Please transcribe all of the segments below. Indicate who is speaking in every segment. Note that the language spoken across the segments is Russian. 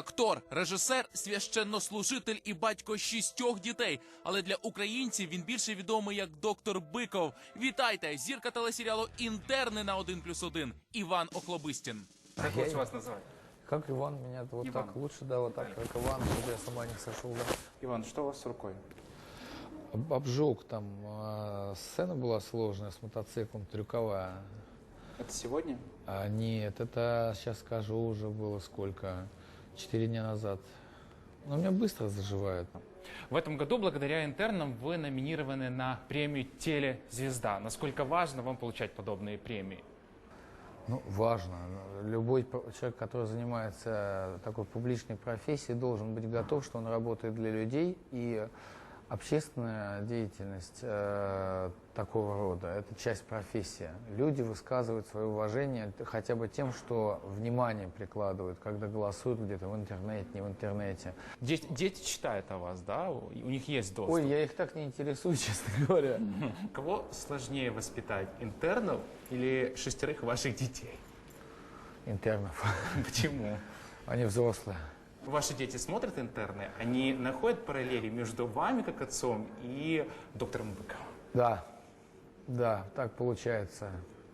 Speaker 1: Актор, режисер, священнослужитель і батько 6 дітей. Але для українців він більше відомий як доктор Биков. Вітайте! Зірка телесеріалу «Інтерни» на 1+1 Іван Охлобистін.
Speaker 2: Как лучше вас назвать?
Speaker 3: Как Иван, меня вот
Speaker 2: Иван.
Speaker 3: так лучше, да, вот так, как Иван, чтобы я сама не сошел, да.
Speaker 2: Иван, что у вас с рукой?
Speaker 3: Обжег там, сцена была сложная с мотоциклом, трюковая.
Speaker 2: Это сегодня?
Speaker 3: Нет, это, сейчас скажу, уже было сколько, 4 дня назад. Но у меня быстро заживает.
Speaker 2: В этом году благодаря «Интернам» вы номинированы на премию «Телезвезда». Насколько важно вам получать подобные премии?
Speaker 3: Ну, важно. Любой человек, который занимается такой публичной профессией, должен быть готов, что он работает для людей. И общественная деятельность такого рода – это часть профессии. Люди высказывают свое уважение хотя бы тем, что внимание прикладывают, когда голосуют где-то в интернете, не в интернете.
Speaker 2: Дети читают о вас, да? У них есть доступ.
Speaker 3: Ой, я их так не интересую, честно говоря.
Speaker 2: Кого сложнее воспитать, интернов или 6 ваших детей?
Speaker 3: Интернов.
Speaker 2: Почему?
Speaker 3: Они взрослые.
Speaker 2: Ваши дети смотрят «Интерны», они находят параллели между вами, как отцом, и доктором Быковым?
Speaker 3: Да, да, так получается.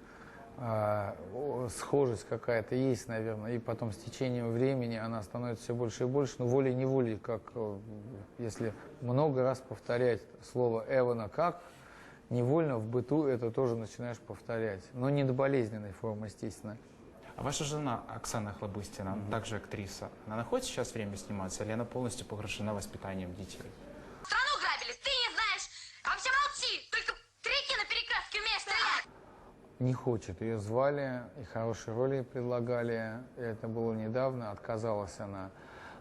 Speaker 3: Схожесть какая-то есть, наверное, и потом с течением времени она становится все больше и больше, но волей-неволей, как если много раз повторять слово «Эвана как», невольно в быту это тоже начинаешь повторять, но не до болезненной формы, естественно.
Speaker 2: А ваша жена Оксана Охлобыстина, также актриса, она находит сейчас время сниматься, или она полностью погружена воспитанием детей?
Speaker 4: Страну грабили, ты не знаешь. А вообще молчи, только кретина перекрестки умеешь стрелять.
Speaker 3: Не хочет. Ее звали, и хорошие роли предлагали. Это было недавно, отказалась она.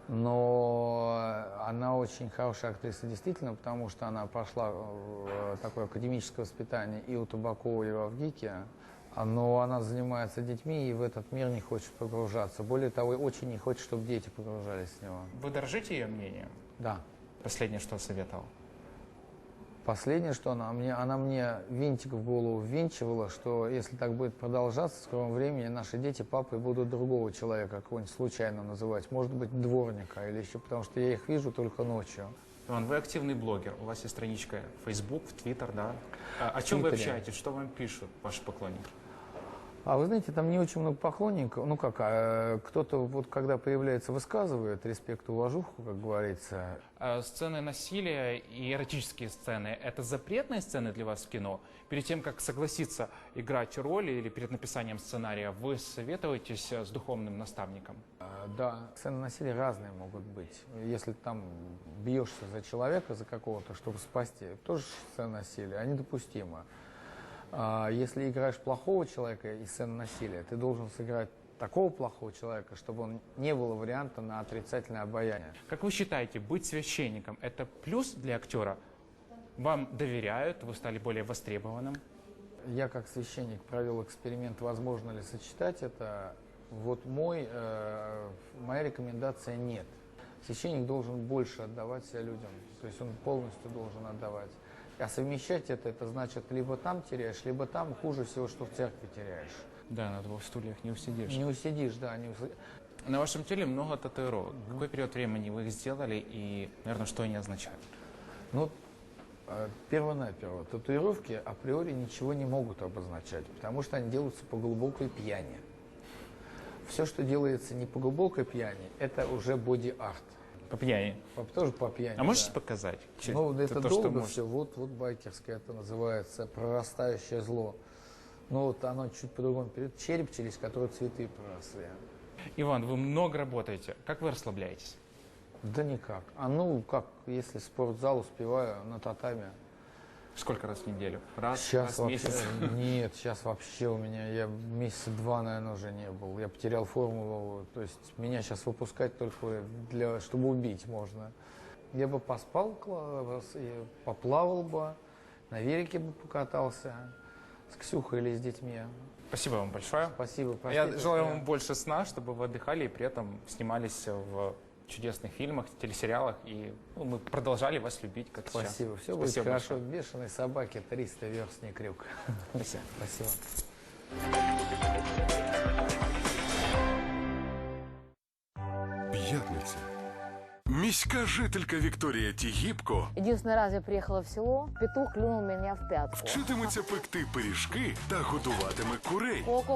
Speaker 3: Но она очень хорошая актриса, действительно, потому что она прошла такое академическое воспитание и у Табакова, и в Авгике. Но она занимается детьми и в этот мир не хочет погружаться. Более того, очень не хочет, чтобы дети погружались в него.
Speaker 2: Вы дорожите ее мнением?
Speaker 3: Да.
Speaker 2: Последнее, что советовал?
Speaker 3: Последнее, что она мне винтик в голову ввинчивала, что если так будет продолжаться, в скором времени наши дети папой будут другого человека, какого-нибудь случайно называть. Может быть, дворника или еще, потому что я их вижу только ночью.
Speaker 2: Иван, вы активный блогер, у вас есть страничка в Facebook, в Twitter, да? О чем вы общаетесь, что вам пишут ваши поклонники?
Speaker 3: А вы знаете, там не очень много поклонников. Ну как, кто-то вот когда появляется, высказывает респект и уважуху, как говорится.
Speaker 2: Сцены насилия и эротические сцены – это запретные сцены для вас в кино? Перед тем, как согласиться играть роль или перед написанием сценария, вы советуетесь с духовным наставником?
Speaker 3: Да, сцены насилия разные могут быть. Если там бьешься за человека, за какого-то, чтобы спасти, тоже сцена насилия, они допустимы. Если играешь плохого человека и сцену насилия, ты должен сыграть такого плохого человека, чтобы он не было варианта на отрицательное обаяние.
Speaker 2: Как вы считаете, быть священником – это плюс для актера? Вам доверяют, вы стали более востребованным?
Speaker 3: Я как священник провел эксперимент, возможно ли сочетать это. Вот моя рекомендация – нет. Священник должен больше отдавать себя людям, то есть он полностью должен отдавать. А совмещать это значит, либо там теряешь, либо там, хуже всего, что в церкви теряешь.
Speaker 2: Да, на 2 стульях не усидишь.
Speaker 3: Не усидишь, да.
Speaker 2: На вашем теле много татуировок. Какой период времени вы их сделали и, наверное, что они означают?
Speaker 3: Ну, перво-наперво, татуировки априори ничего не могут обозначать, потому что они делаются по глубокой пьяни. Все, что делается не по глубокой пьяни, это уже боди-арт.
Speaker 2: По пьяни?
Speaker 3: Тоже по пьяни,
Speaker 2: А можете
Speaker 3: да.
Speaker 2: показать?
Speaker 3: Ну, это
Speaker 2: то,
Speaker 3: долго все, вот байкерское это называется, прорастающее зло. Ну, вот оно чуть по-другому перед череп, через который цветы проросли.
Speaker 2: Иван, вы много работаете. Как вы расслабляетесь?
Speaker 3: Да никак. Как, если спортзал успеваю на татами.
Speaker 2: Сколько раз в неделю? Раз
Speaker 3: Сейчас
Speaker 2: в месяц?
Speaker 3: Нет, сейчас вообще у меня, я месяца 2, наверное, уже не был. Я потерял форму, то есть меня сейчас выпускать только чтобы убить можно. Я бы поспал, поплавал бы, на велике бы покатался с Ксюхой или с детьми.
Speaker 2: Спасибо вам большое.
Speaker 3: Спасибо.
Speaker 2: Я желаю вам больше сна, чтобы вы отдыхали и при этом снимались в чудесных фильмах, телесериалах, и мы продолжали вас любить, как сейчас.
Speaker 3: Спасибо. Все будет хорошо. Бешеной собаке 300 верст не крюк.
Speaker 2: Спасибо.
Speaker 3: Спасибо.
Speaker 5: П'ятниця. Міська жителька Вікторія Тігіпко
Speaker 6: Единственный раз я приехала в село, петух клюнул меня в пятку.
Speaker 5: вчитиметься пекти пиріжки та годуватиме курей.
Speaker 6: Ко-ко,